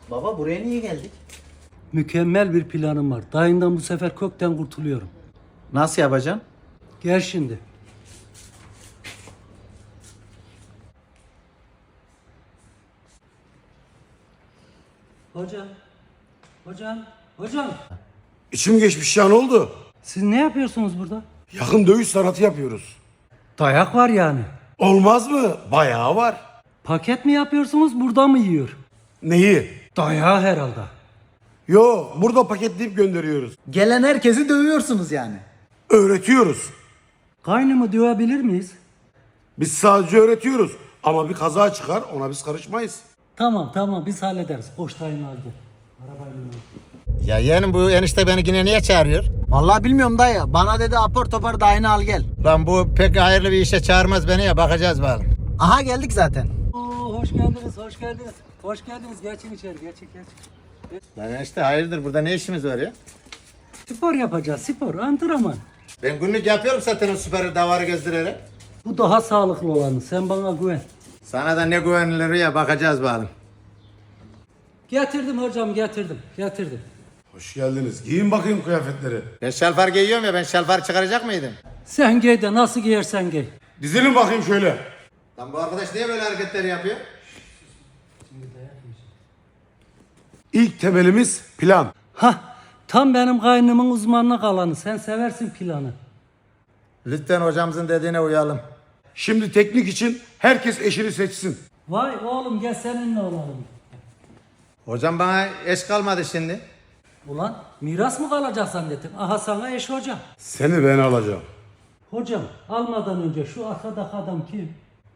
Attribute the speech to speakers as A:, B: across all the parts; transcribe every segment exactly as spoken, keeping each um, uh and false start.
A: Baba buraya niye geldik?
B: Mükemmel bir planım var. Dayından bu sefer kökten kurtuluyorum.
A: Nasıl yapacaksın?
B: Gel şimdi. Hocam, hocam, hocam.
C: İçim geçmiş ya, ne oldu?
B: Siz ne yapıyorsunuz burada?
C: Yakın dövüş sanatı yapıyoruz.
B: Dayak var yani.
C: Olmaz mı? Bayağı var.
B: Paket mi yapıyorsunuz, burada mı yiyor?
C: Neyi?
B: Dayağı herhalde.
C: Yo, burada paketleyip gönderiyoruz.
A: Gelen herkesi dövüyorsunuz yani.
C: Öğretiyoruz.
B: Kaynımı dövebilir miyiz?
C: Biz sadece öğretiyoruz. Ama bir kaza çıkar, ona biz karışmayız.
B: Tamam tamam biz hallederiz. Koş dayını al gel. Arabayla al.
D: Ya yeğenim bu enişte beni yine niye çağırıyor?
A: Vallahi bilmiyorum dayı. Bana dedi apar topar dayını al gel.
D: Lan bu pek hayırlı bir işe çağırmaz beni ya, bakacağız bakalım.
A: Aha geldik zaten.
B: Oo, hoş geldiniz, hoş geldiniz. Hoş geldiniz. Geçin içeri, geçin, geçin.
D: Lan enişte hayırdır, burada ne işimiz var ya?
B: Spor yapacağız, spor, antrenman.
D: Ben günlük yapıyorum zaten o süper davarı gezdirerek.
B: Bu daha sağlıklı olanı. Sen bana güven.
D: Sana da ne güvenilir ya, bakacağız bakalım.
B: Getirdim hocam, getirdim, getirdim.
C: Hoş geldiniz. Giyin bakayım kıyafetleri.
D: Ben şalvar giyiyorum ya, ben şalvar çıkaracak mıydım?
B: Sen giy de nasıl giyersen giy.
C: Dizilin bakayım şöyle.
D: Lan bu arkadaş niye böyle hareketler yapıyor?
C: İlk temelimiz plan.
B: Hah, tam benim kaynımın uzmanlık alanı. Sen seversin planı.
D: Lütfen hocamızın dediğine uyalım.
C: Şimdi teknik için herkes eşini seçsin.
B: Vay oğlum gel seninle olalım.
D: Hocam bana eş kalmadı şimdi.
B: Ulan miras mı kalacak zannettim? Aha sana eş hocam.
C: Seni ben alacağım.
B: Hocam almadan önce şu arkadaki adam kim?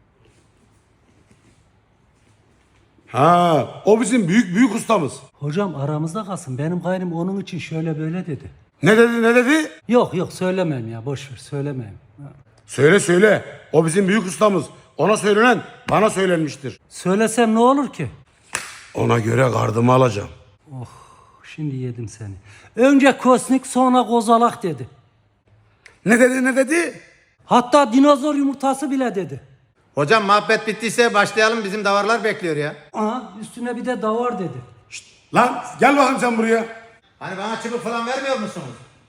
C: Ha, o bizim büyük büyük ustamız.
B: Hocam aramızda kalsın. Benim kaynım onun için şöyle böyle dedi.
C: Ne dedi ne dedi?
B: Yok yok söylemem ya boş ver söylemem.
C: Söyle söyle. O bizim büyük ustamız. Ona söylenen bana söylenmiştir.
B: Söylesem ne olur ki?
C: Ona göre gardımı alacağım.
B: Şimdi yedim seni. Önce Kosnik sonra Kozalak dedi.
C: Ne dedi ne dedi?
B: Hatta dinozor yumurtası bile dedi.
D: Hocam muhabbet bittiyse başlayalım, bizim davarlar bekliyor ya.
B: Aha üstüne bir de davar dedi.
C: Lan gel bakayım sen buraya.
D: Hani bana çubuk falan vermiyor musunuz?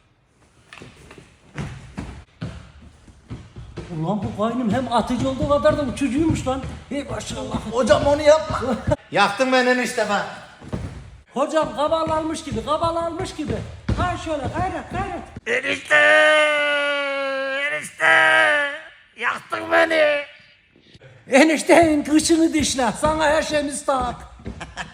B: Ulan bu kaynım hem atıcı olduğu kadar da uçucuymuş lan. Hey maşallah.
A: Hocam onu yapma.
D: Yaktın beni enişte bak.
B: Hocam kabal almış gibi kabal almış gibi. Ha şöyle gayret gayret.
D: Enişte! Enişte! Yaktın beni!
B: Enişteyin kışını dişle. Sana her şeyimiz tak.